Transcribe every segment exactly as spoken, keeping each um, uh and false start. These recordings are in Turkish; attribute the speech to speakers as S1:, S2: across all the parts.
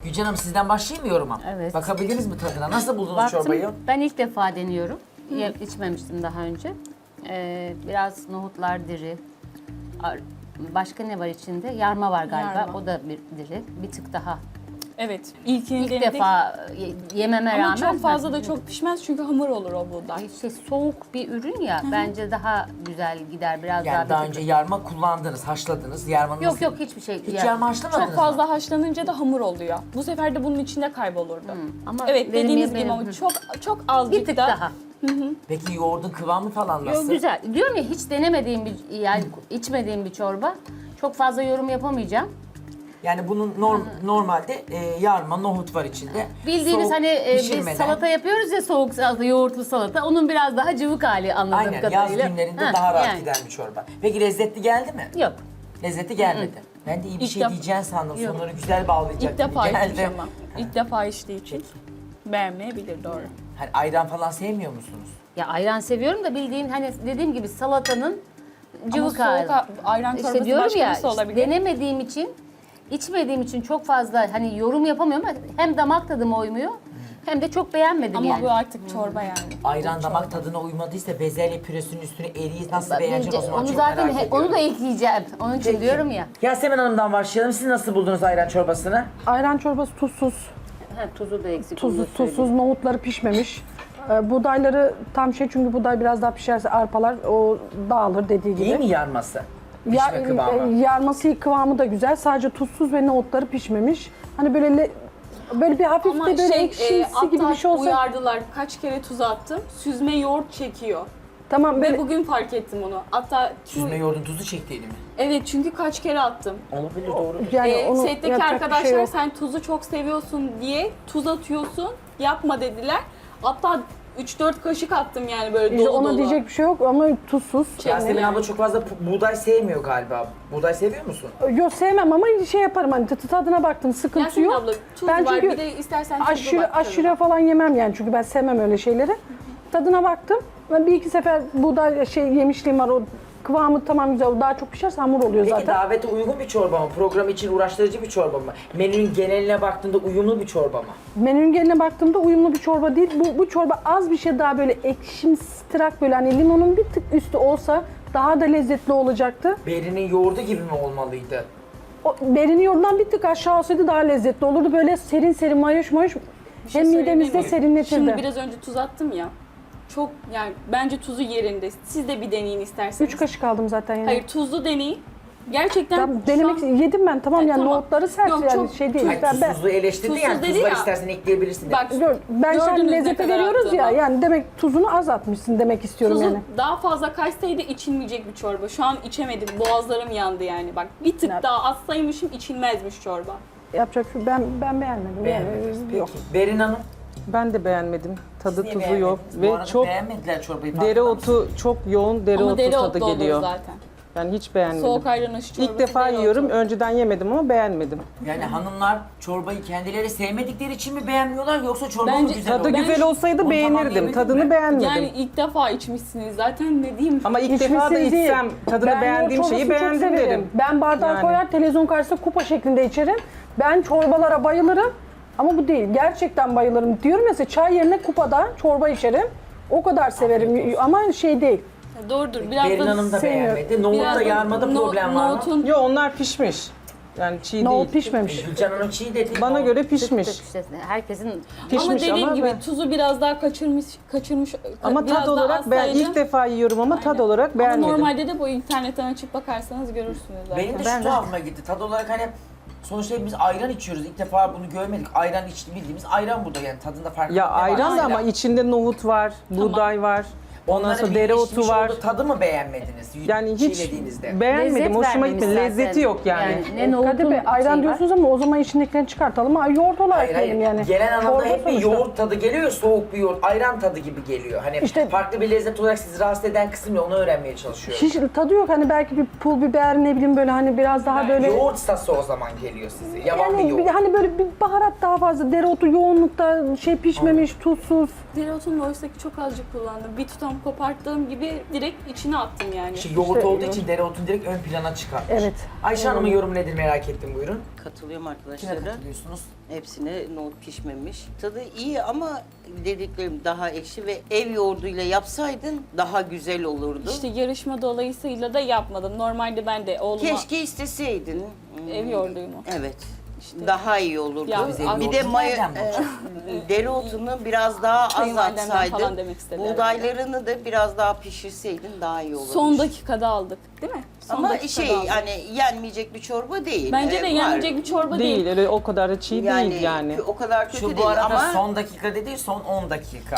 S1: Gülcan Hanım sizden başlayayım mı yoruma?
S2: Evet.
S1: Bakabildiniz mi tadına? Nasıl buldunuz
S2: Baktım,
S1: çorbayı?
S2: ben ilk defa deniyorum. Ye- İçmemiştim daha önce. Ee, biraz nohutlar diri. Ar- Başka ne var içinde? Yarma var galiba.
S3: Yarma.
S2: O da bir diri. Bir tık daha.
S3: Evet. İlkini
S2: İlk
S3: denedik.
S2: defa ye- yememe
S3: Ama
S2: rağmen.
S3: çok fazla da
S2: ben-
S3: çok pişmez çünkü hamur olur o buğday.
S2: Ay şey soğuk bir ürün ya. Bence daha güzel gider. Biraz
S1: Yani
S2: daha.
S1: daha
S2: bir
S1: önce
S2: tık-
S1: yarma kullandınız, haşladınız. Yarmanın
S2: Yok
S1: nasıl-
S2: yok hiçbir şey.
S1: Hiç
S2: yani-
S1: yarma haşlamadınız
S3: Çok
S1: mı?
S3: fazla haşlanınca da hamur oluyor. Bu sefer de bunun içinde kaybolurdu.
S2: Ama
S3: Evet
S2: benim
S3: dediğiniz gibi
S2: yemeğim-
S3: ama
S2: Hı.
S3: çok çok azıcık
S2: bir tık
S3: da.
S2: daha.
S1: Peki yoğurdun kıvamı falan nasıl?
S2: Yok güzel. Diyorum ya hiç denemediğim bir yani içmediğim bir çorba. Çok fazla yorum yapamayacağım.
S1: Yani bunun norm, normalde e, yarma, nohut var içinde.
S2: Bildiğiniz
S1: Soğuk
S2: hani e, biz
S1: pişirmeden-
S2: salata yapıyoruz ya soğuk salata, yoğurtlu salata. Onun biraz daha cıvık hali anladığım
S1: Aynen
S2: kadarıyla.
S1: yaz günlerinde
S2: Ha,
S1: daha rahat
S2: yani.
S1: giden bir çorba. Peki lezzetli geldi mi?
S2: Yok.
S1: Lezzeti gelmedi. Ben de iyi bir
S3: İlk
S1: şey
S3: def-
S1: diyeceğini sandım.
S2: Yok.
S1: Sonları güzel bağlayacak
S3: İlk
S1: gibi
S3: defa içmiş
S1: geldi.
S3: ama. İlk defa içtiği için beğenmeyebilir doğru.
S1: Hani ayran falan sevmiyor musunuz?
S2: Ya ayran seviyorum da bildiğin hani dediğim gibi salatanın
S3: Ama
S2: cıvık
S3: soğuk
S2: hali.
S3: ha- ayran çorbası
S2: İşte diyorum
S3: başka
S2: ya
S3: birisi olabilir.
S2: denemediğim için içmediğim için çok fazla hani yorum yapamıyorum ama hem damak tadıma uymuyor hem de çok beğenmedim
S3: Ama
S2: yani.
S3: bu artık çorba yani.
S1: Ayran damak tadına uymadıysa bezelye püresinin üstüne eriyi nasıl beğenecek o zaman
S2: onu
S1: çok
S2: zaten
S1: merak
S2: he-
S1: ediyorum.
S2: onu da ekleyeceğim. Onun için
S1: Peki.
S2: diyorum ya.
S1: Yasemin Hanım'dan başlayalım. Siz nasıl buldunuz ayran çorbasını?
S4: Ayran çorbası tuzsuz.
S2: Ha, tuzu da eksik. onu
S4: Tuzsuz,
S2: da söyleyeyim.
S4: tuzsuz, nohutları pişmemiş. Ee, buğdayları tam şey çünkü buğday biraz daha pişerse arpalar o dağılır dediği gibi.
S1: İyi mi yarması?
S4: Ya-
S1: Pişme kıvamı.
S4: e, yarması kıvamı da güzel. Sadece tuzsuz ve nohutları pişmemiş. Hani böyle le- böyle bir hafif
S3: Ama
S4: de böyle
S3: şey,
S4: ekşimsi
S3: e,
S4: gibi bir şey olsa.
S3: uyardılar. Kaç kere tuz attım. Süzme yoğurt çekiyor.
S4: Tamam
S3: Ve
S4: böyle
S3: bugün fark ettim onu. Hatta
S1: Süzme yoğurdun tuzu çektiğini mi?
S3: evet çünkü kaç kere attım.
S1: Olabilir doğru.
S4: yani
S3: Ee,
S4: onu
S3: setteki
S4: yapacak bir
S3: arkadaşlar
S4: şey yok.
S3: sen tuzu çok seviyorsun diye tuz atıyorsun. Yapma dediler. Hatta üç dört kaşık attım yani böyle
S4: İşte
S3: dolu
S4: ona
S3: dolu.
S4: diyecek bir şey yok ama tuzsuz.
S1: Yasemin abla çok fazla pu- buğday sevmiyor galiba. Buğday seviyor musun?
S4: Yok sevmem ama şey yaparım hani tı- tadına baktım sıkıntı
S3: Yasemin
S4: yok.
S3: abla tuz
S4: Ben
S3: var
S4: çünkü
S3: bir de istersen tuzlu
S4: aşure,
S3: bak
S4: aşure
S3: tadına.
S4: falan yemem yani çünkü ben sevmem öyle şeyleri. Tadına baktım. Ben bir iki sefer buğday şey yemişliğim var o kıvamı tamam güzel. O daha çok pişerse hamur oluyor
S1: Peki
S4: zaten.
S1: davete uygun bir çorba mı? Program için uğraştırıcı bir çorba mı? Menünün geneline baktığında uyumlu bir çorba mı?
S4: Menünün geline baktığımda uyumlu bir çorba değil. Bu, bu çorba az bir şey daha böyle ekşimsirak böyle hani limonun bir tık üstü olsa daha da lezzetli olacaktı.
S1: Berinin yoğurdu gibi mi olmalıydı?
S4: O berinin yoğurdundan bir tık aşağı olsaydı daha lezzetli olurdu. Böyle serin serin mayoş mayoş
S3: Bir şey
S4: hem
S3: söyleyebilir
S4: midemizde
S3: miyim?
S4: serinletirdi.
S3: Şimdi biraz önce tuz attım ya. Çok yani bence tuzu yerinde. Siz de bir deneyin isterseniz.
S4: Üç kaşık aldım zaten yani.
S3: Hayır tuzlu deneyin. Gerçekten
S4: Tamam,
S3: şu
S4: denemek
S3: an-
S4: yedim ben tamam
S3: Ay,
S4: yani
S3: tamam.
S4: nohutları sert
S3: Yok,
S4: yani
S3: çok
S4: şey değil.
S1: Hayır,
S4: Ben, ben,
S1: tuzsuzluğu eleştirdi
S3: Tuzsuz
S1: yani
S3: dedi
S1: tuz var
S3: ya.
S1: istersen ekleyebilirsin dedi.
S3: Bak
S4: Gör, ben sen
S3: gördünüz ne
S4: lezzete
S3: kadar
S4: veriyoruz ya
S3: attığımı.
S4: yani demek tuzunu az atmışsın demek istiyorum
S3: Tuzu
S4: yani.
S3: daha fazla kaçsaydı içilmeyecek bir çorba. Şu an içemedim. Boğazlarım yandı yani. Bak bir tık
S4: Ne-
S3: daha atsaymışım içilmezmiş çorba.
S4: Yapacak bir şey- ben ben beğenmedim.
S1: Beğenmediniz.
S4: Yani,
S1: Peki.
S4: yok.
S1: Berin Hanım.
S5: Ben de beğenmedim. Tadı
S1: niye
S5: tuzu yok
S1: beğenmediniz? Bu
S5: ve
S1: arada
S5: çok
S1: beğenmediler çorbayı. farkında mısınız?
S5: dereotu çok yoğun dereotu
S3: Ama dereotlu
S5: tadı
S3: olur
S5: geliyor.
S3: zaten.
S5: Yani hiç beğenmedim.
S3: Soğuk ayran aşı çorbası.
S5: İlk defa
S3: dereotu.
S5: yiyorum. Önceden yemedim ama beğenmedim.
S1: Yani hanımlar çorbayı kendileri sevmedikleri için mi beğenmiyorlar yoksa çorba mı
S3: Bence-
S1: güzel
S5: Tadı
S1: oldu?
S3: Ben
S5: güzel
S3: şu-
S5: olsaydı
S1: Onu
S5: beğenirdim.
S1: tamamlayabildin
S5: Tadını
S1: mi?
S5: beğenmedim.
S3: Yani ilk defa içmişsiniz zaten ne diyeyim.
S5: Ama ilk defa da
S4: İçmişsiniz değil.
S5: içsem tadını
S4: Ben
S5: beğendiğim
S4: yoğurt
S5: şeyi
S4: çorbasını çok
S5: beğendim
S4: severim.
S5: derim.
S4: Ben bardağa
S5: Yani.
S4: koyar televizyon karşısında kupa şeklinde içerim. Ben çorbalara bayılırım ama bu değil. Gerçekten bayılırım. Diyorum ya size çay yerine kupada çorba içerim. O kadar severim ama şey değil.
S3: Doğrudur. Biraz
S1: Berin
S3: da
S1: Hanım da
S4: sevmiyorum.
S1: beğenmedi. Nohutta
S3: biraz da
S1: yarmada
S3: no-
S1: problem var mı?
S3: nohutun-
S5: Yo onlar pişmiş. Yani çiğ
S4: Nohut
S5: değil.
S4: pişmemiş.
S1: Gülcan Hanım çiğ dedi.
S5: Bana göre
S2: Tık
S5: pişmiş.
S2: tık işte herkesin
S3: ama
S5: Pişmiş
S3: dediğim
S5: ama
S3: gibi
S5: ben-
S3: tuzu biraz daha kaçırmış kaçırmış
S5: Ama
S3: biraz
S5: tad
S3: daha
S5: olarak ben
S3: atsaydı-
S5: ilk defa yiyorum ama tad
S3: Aynen.
S5: olarak
S3: Ama
S5: beğenmedim.
S3: normalde de bu internetten açıp bakarsanız görürsünüz zaten.
S1: Benim de
S2: Ben
S1: şu
S2: de-
S1: tuhafıma gitti. Tad olarak hani sonuçta biz ayran içiyoruz. İlk defa bunu görmedik. Ayran içti bildiğimiz ayran burada yani tadında fark
S5: Ya
S1: ne var
S5: ayran da
S1: mesela?
S5: ama içinde nohut var, buğday var. Ondan
S1: Onların
S5: sonra
S1: birleşmiş
S5: dereotu var.
S1: olduğu tadı mı beğenmediniz?
S5: Yani hiç
S1: çiğnediğinizde?
S5: beğenmedim.
S2: lezzet
S5: Hoşuma
S2: vermemiş
S5: gitmedi.
S2: zaten.
S5: Lezzeti yok yani.
S2: ne nohutun
S4: Kadir Bey ayran
S2: şeyi var.
S4: diyorsunuz ama o zaman içindekilerini çıkartalım. Ay, yoğurt olarak
S1: Hayır hayır.
S4: yiyelim yani.
S1: Gelen anlamda
S4: Çorba
S1: hep bir
S4: sonuçta.
S1: yoğurt tadı geliyor, soğuk bir yoğurt, ayran tadı gibi geliyor. Hani
S4: İşte-
S1: farklı bir lezzet olarak sizi rahatsız eden kısım ne onu öğrenmeye çalışıyorum.
S4: Hiç tadı yok hani belki bir pul biber ne bileyim böyle hani biraz daha böyle.
S1: Yoğurt sası o zaman geliyor size. Yavan bir
S4: Yani bir-
S1: yoğurt.
S4: hani böyle bir baharat daha fazla, dereotu yoğunlukta şey pişmemiş, tuzsuz.
S3: Dereotunu oysaki çok azıcık kullandım. Bir tutam koparttığım gibi direkt içine attım yani.
S1: İşte yoğurt olduğu için dereotunu direkt ön plana çıkartmış.
S4: Evet.
S1: Ayşe Hanım'ın yorumu nedir merak ettim, buyurun.
S6: Katılıyorum
S1: Kime
S6: arkadaşlara.
S1: katılıyorsunuz?
S6: Hepsine nohut pişmemiş. Tadı iyi ama dediklerim daha ekşi ve ev yoğurduyla yapsaydın daha güzel olurdu.
S3: İşte yarışma dolayısıyla da yapmadım. Normalde ben de oğluma
S6: Keşke isteseydin. Hmm,
S3: ev yoğurduyum o.
S6: Evet. Daha iyi olurdu.
S3: Ya,
S1: Biz ev
S6: bir de
S1: yoğurdunu
S6: maya,
S1: nereden bulacağız?
S6: e, dereotunu biraz daha az
S3: Kayınvalidemden falan
S6: atsaydın,
S3: demek istedi
S6: buğdaylarını da biraz daha pişirseydin daha iyi olurdu.
S3: Son dakikada aldık değil mi? Son
S6: Ama
S3: dakikada
S6: şey
S3: aldık.
S6: yani yenmeyecek bir çorba değil.
S3: Bence de
S6: Ee,
S3: yenecek
S6: var.
S3: bir çorba
S5: Değil,
S3: değil.
S5: öyle o kadar da çiğ
S6: yani,
S5: değil yani.
S6: O kadar kötü
S1: Şu bu
S6: değil
S1: arada
S6: ama
S1: son dakika dedi, son on dakika.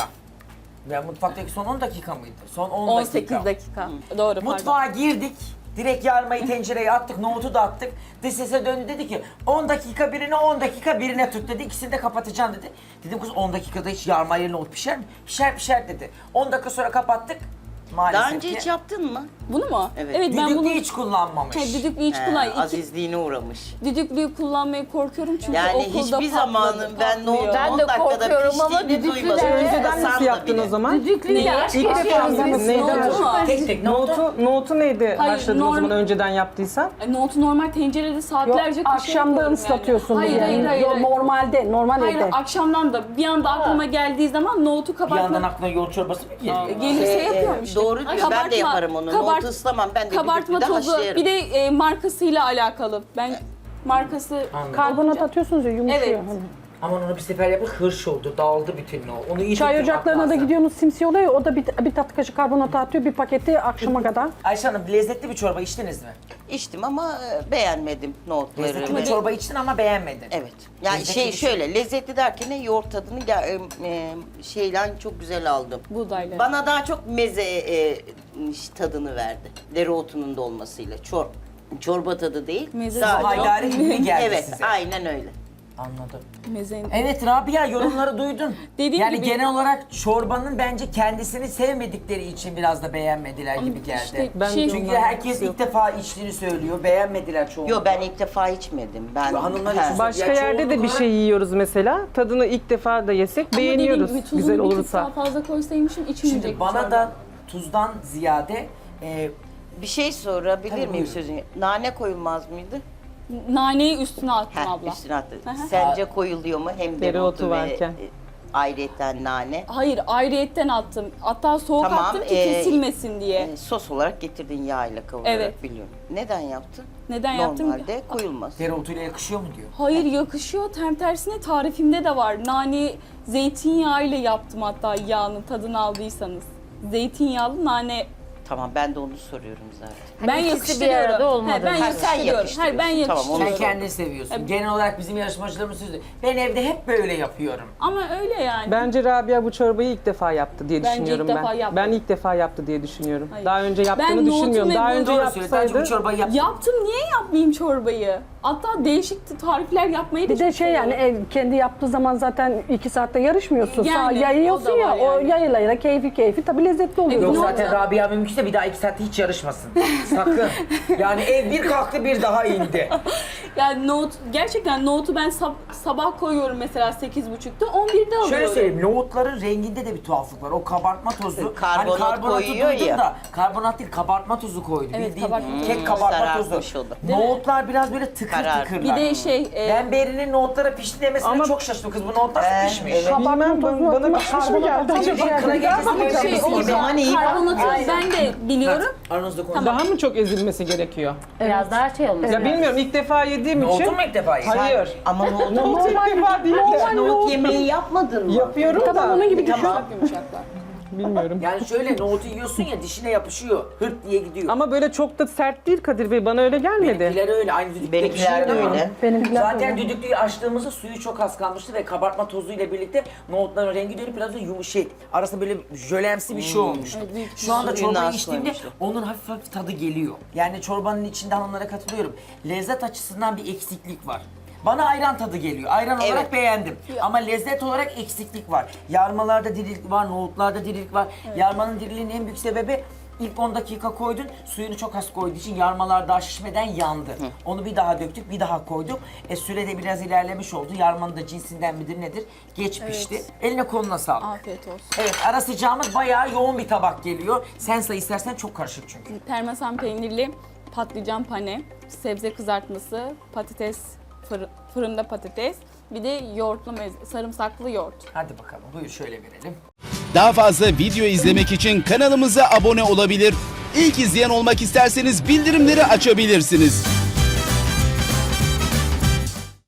S1: Ya mutfaktaki son on dakika mıydı? Son on
S3: on
S1: dakika.
S3: sekiz dakika. Doğru pardon.
S1: Mutfağa girdik. Direkt yarmayı tencereye attık, nohutu da attık. Dış sese döndü, dedi ki on dakika birine, on dakika birine tut dedi. İkisini de kapatacaksın dedi. Dedim kız on dakikada hiç yarmayla nohut pişer mi? Pişer pişer dedi. on dakika sonra kapattık. Maalesef
S6: daha önce
S1: ki.
S6: hiç yaptın mı?
S3: Bunu mu?
S6: Evet.
S3: Evet ben
S1: Düdüklü
S3: bunu
S1: hiç kullanmamış.
S3: He, düdüklü hiç
S6: He,
S3: kullan. İki-
S6: azizliğine uğramış.
S3: Düdüklüyü kullanmayı korkuyorum çünkü
S6: Yani
S3: okulda
S6: hiçbir
S3: patladı,
S6: zamanın ben
S3: patlıyor.
S6: nohutu
S2: Ben
S6: on
S2: de
S6: dakikada
S2: korkuyorum ama
S6: piştiğini
S2: düdüklüde-
S6: duymadım.
S5: Önceden
S6: Hasan'la
S5: nasıl yaptın
S6: bile.
S5: o zaman?
S2: Düdüklüyle
S3: Neyi?
S2: aşk
S5: İlk defa
S2: yaşıyorsunuz.
S5: yaptınız. Neyden
S3: Nohutu
S5: aşk?
S3: mu?
S1: Tek tek nohutu.
S5: Nohutu, nohutu neydi
S3: Hayır,
S5: haşladın o
S3: norm-
S5: zaman önceden yaptıysan?
S3: Ay, Nohutu normal tencerede
S4: Yok,
S3: saatlerce
S4: akşamdan
S3: kaşıyorum
S4: ıslatıyorsun.
S3: Yani. Hayır,
S4: bunu.
S3: hayır, hayır.
S4: Yok,
S3: hayır.
S4: normalde, normal
S3: Hayır,
S4: evde.
S3: akşamdan da bir anda aklıma geldiği zaman nohutu
S1: Bir yandan
S3: kabartma
S1: aklına yoğurt çorbası mı geliyor?
S3: gelirse
S6: Ee,
S3: yapıyorum işte.
S6: Doğru diyor. Ben de yaparım onu. Nohutu ıslamam. Ben de
S3: Kabartma
S6: düdüklüde
S3: tozu
S6: haşlayarım.
S3: bir de e, markasıyla alakalı. Ben markası
S1: Anladım.
S4: Karbonat atıyorsunuz ya, yumuşuyor.
S3: Evet.
S4: Hani.
S1: Aman onu bir sefer yapıp hırş oldu, dağıldı bütün o. Onu iyi
S4: Çay
S1: tutturmak
S4: ocaklarına da
S1: lazım.
S4: gidiyorsunuz, simsiye oluyor ya, o da bir, bir tatlı kaşık karbonat atıyor, bir paketi akşama kadar.
S1: Ayşe Hanım, lezzetli bir çorba içtiniz mi?
S6: İçtim ama e, beğenmedim nohutları.
S1: Lezzetli
S6: ve-
S1: bir çorba içtin ama beğenmedin.
S6: Evet. Yani
S1: Lezzetli
S6: şey
S1: bir şey.
S6: şöyle lezzetli derken ne yoğurt tadını ge- e, e, şeyden çok güzel aldım.
S3: buğdayla.
S6: Bana daha çok meze e, tadını verdi. Dereotunun da olmasıyla. Çor çorba tadı değil.
S3: Meze
S6: Sadece-
S3: tadı.
S1: Haydari gibi mi geldi
S6: Evet,
S1: size?
S6: aynen öyle.
S1: Anladım.
S3: Mezenin.
S1: Evet Rabia, yorumları duydun.
S3: Dediğim
S1: yani
S3: gibi-
S1: genel olarak çorbanın bence kendisini sevmedikleri için biraz da beğenmediler gibi geldi.
S3: işte
S5: Ben
S3: şey,
S5: de
S1: Çünkü
S5: ondan
S1: herkes ilk defa içtiğini söylüyor, beğenmediler çoğunlukla.
S6: Yo ben ilk defa içmedim. Ben
S1: Hanımlar
S6: He.
S1: için-
S5: Başka
S1: Ya
S5: yerde de
S1: çoğunluk
S5: bir
S1: olarak-
S5: şey yiyoruz mesela. Tadını ilk defa da yesek
S3: Ama dediğim
S5: beğeniyoruz
S3: gibi tuzunu
S5: güzel
S3: bir tık
S5: olursa.
S3: daha fazla koysaymışım içmeyecek.
S1: Şimdi bana da tuzdan ziyade e,
S6: Bir şey sorabilir
S1: Tabii,
S6: miyim
S1: buyurun.
S6: sözünü? Nane koyulmaz mıydı?
S3: naneyi üstüne attım
S6: Heh,
S3: abla.
S6: üstüne attı.
S3: Hı hı.
S6: Sence koyuluyor mu? Hem
S5: Dereotu
S6: dereotu ve
S5: varken.
S6: e, ayrıyeten nane.
S3: Hayır ayrıyetten attım. Hatta soğuk
S6: Tamam,
S3: attım ki
S6: ee,
S3: kesilmesin diye.
S6: E, sos olarak getirdin yağ ile kavurarak
S3: Evet.
S6: biliyorum. Neden yaptın?
S3: Neden yaptım?
S6: Normalde koyulmaz.
S1: dereotuyla yakışıyor mu diyor.
S3: Hayır yakışıyor. Tam tersine tarifimde de var. Nane zeytinyağı ile yaptım hatta yağının tadını aldıysanız. Zeytinyağlı nane.
S6: Tamam ben de onu soruyorum zaten.
S3: ben
S2: ikisi bir
S3: yakıştırıyorum.
S2: arada olmadı.
S3: He, ben
S2: Ha,
S6: sen
S3: yakıştırıyorum. Hayır ben
S6: yakıştırıyorsun. Tamam, onu
S1: Sen
S3: yakıştırıyorum.
S1: kendini seviyorsun.
S3: Evet.
S1: Genel olarak bizim yarışmacılarımız sözü. Ben evde hep böyle yapıyorum.
S3: Ama öyle yani.
S5: Bence Rabia bu çorbayı ilk defa yaptı diye
S3: Bence ilk
S5: düşünüyorum
S3: defa
S5: ben.
S3: yaptı.
S5: Ben ilk defa yaptı diye düşünüyorum.
S3: Hayır.
S5: Daha önce yaptığını
S3: Ben nohutun
S5: düşünmüyorum.
S3: ve
S5: Daha
S3: bu-
S5: önce
S1: Doğru söylüyor. Bence
S5: yapsaydı
S1: bu çorbayı yap.
S3: Yaptım niye yapmayayım çorbayı? Hatta değişik tarifler yapmayı da
S4: Bir de
S3: çok
S4: şey yani
S3: seviyorum.
S4: ev kendi yaptığı zaman zaten iki saatte yarışmıyorsun.
S3: Yani,
S4: Sağ yayıyorsun
S3: o da
S4: ya,
S3: var
S4: o
S3: yani.
S4: yayıla yayıla keyfi keyfi tabii lezzetli oluyor.
S1: Yok
S3: Ne
S1: zaten
S3: oldu?
S1: Rabia mümkünse bir daha iki saatte hiç yarışmasın. Sakın. Yani ev bir kalktı bir daha indi.
S3: Yani nohut, gerçekten nohutu ben sab- sabah koyuyorum mesela sekiz buçukta, on birde alıyorum.
S1: Şöyle söyleyeyim, nohutların renginde de bir tuhaflık var. O kabartma tozu,
S6: Karbonat
S1: hani karbonatı
S6: koyuyor
S1: duydum
S6: ya.
S1: da karbonat değil kabartma tozu koydu.
S3: Evet,
S1: Bildiğin
S3: kabartma tozu.
S1: kek kabartma tozu.
S6: Sararmış o da.
S3: Değil mi?
S1: Nohutlar biraz böyle tıkır
S6: Karar.
S1: tıkırlar.
S3: Bir de şey, e,
S1: Ben Beri'nin nohutlara pişti demesine
S5: Ama-
S1: çok şaşırdım. Kız bu nohutlar
S6: Ee,
S1: pişmiş.
S6: evet.
S4: Kabartma
S5: Bilmem,
S4: tozunu
S5: bana
S4: atmak,
S5: pişmiş mi
S4: karbonat
S5: geldi?
S4: atmak
S1: Acaba
S4: şey
S1: kına
S4: yapıyor.
S1: gecesi
S3: ama
S1: böyle
S3: şey
S1: bir
S3: o
S6: o zaman iyi.
S3: karbonatı
S1: Aynen.
S3: ben de biliyorum.
S1: Aranızda konuş.
S5: daha mı çok ezilmesi gerekiyor?
S2: Biraz daha şey olması
S5: Ya
S2: lazım.
S5: bilmiyorum ilk defa yediğim için.
S1: Nohutu mu ilk defa yedin?
S5: Hayır.
S6: Ama nohut,
S5: Nohut ilk defa değil de.
S6: nohut yemeği yapmadın mı?
S5: Yapıyorum
S4: Tamam,
S5: da.
S4: onun gibi düşün.
S6: Tamam.
S3: Yumuşaklar.
S5: Bilmiyorum.
S1: Yani şöyle nohutu yiyorsun ya dişine yapışıyor. Hırt diye gidiyor.
S5: Ama böyle çok da sert değil Kadir Bey. Bana öyle gelmedi.
S1: Benimkiler öyle. Aynı düdüklü
S6: Benimkiler de
S1: pişiyor ama-
S6: öyle.
S4: Benimkiler
S1: Zaten
S4: öyle.
S1: düdüklüyü açtığımızda suyu çok az kalmıştı ve kabartma tozuyla birlikte nohutların rengi dönüp biraz da yumuşak. Arasında böyle jölemsi bir şey olmuştu.
S3: Evet, büyük.
S1: Şu anda
S6: Suyunu
S1: çorbayı
S6: az
S1: içtiğimde
S6: koymuşlar.
S1: onun hafif hafif tadı geliyor. Yani çorbanın içinde hanımlara katılıyorum. Lezzet açısından bir eksiklik var. Bana ayran tadı geliyor. Ayran
S6: Evet.
S1: olarak beğendim. Ama lezzet olarak eksiklik var. Yarmalarda dirilik var, nohutlarda dirilik var. Yarmanın diriliğinin en büyük sebebi İlk on dakika koydun, suyunu çok az koyduğu için yarmalar daha şişmeden yandı. Onu bir daha döktük, bir daha koyduk. E sürede biraz ilerlemiş oldu. Yarmanın da cinsinden midir nedir? Geç pişti.
S3: Evet.
S1: Eline koluna sağlık.
S3: Afiyet olsun.
S1: Evet, ara sıcağımız bayağı yoğun bir tabak geliyor. Sen say istersen, çok karışık çünkü.
S3: Parmesan peynirli patlıcan pane, sebze kızartması, patates, fırı- fırında patates, bir de yoğurtlu meze, sarımsaklı yoğurt.
S1: Hadi bakalım, buyur şöyle verelim.
S7: Daha fazla video izlemek için kanalımıza abone olabilir. İlk izleyen olmak isterseniz bildirimleri açabilirsiniz.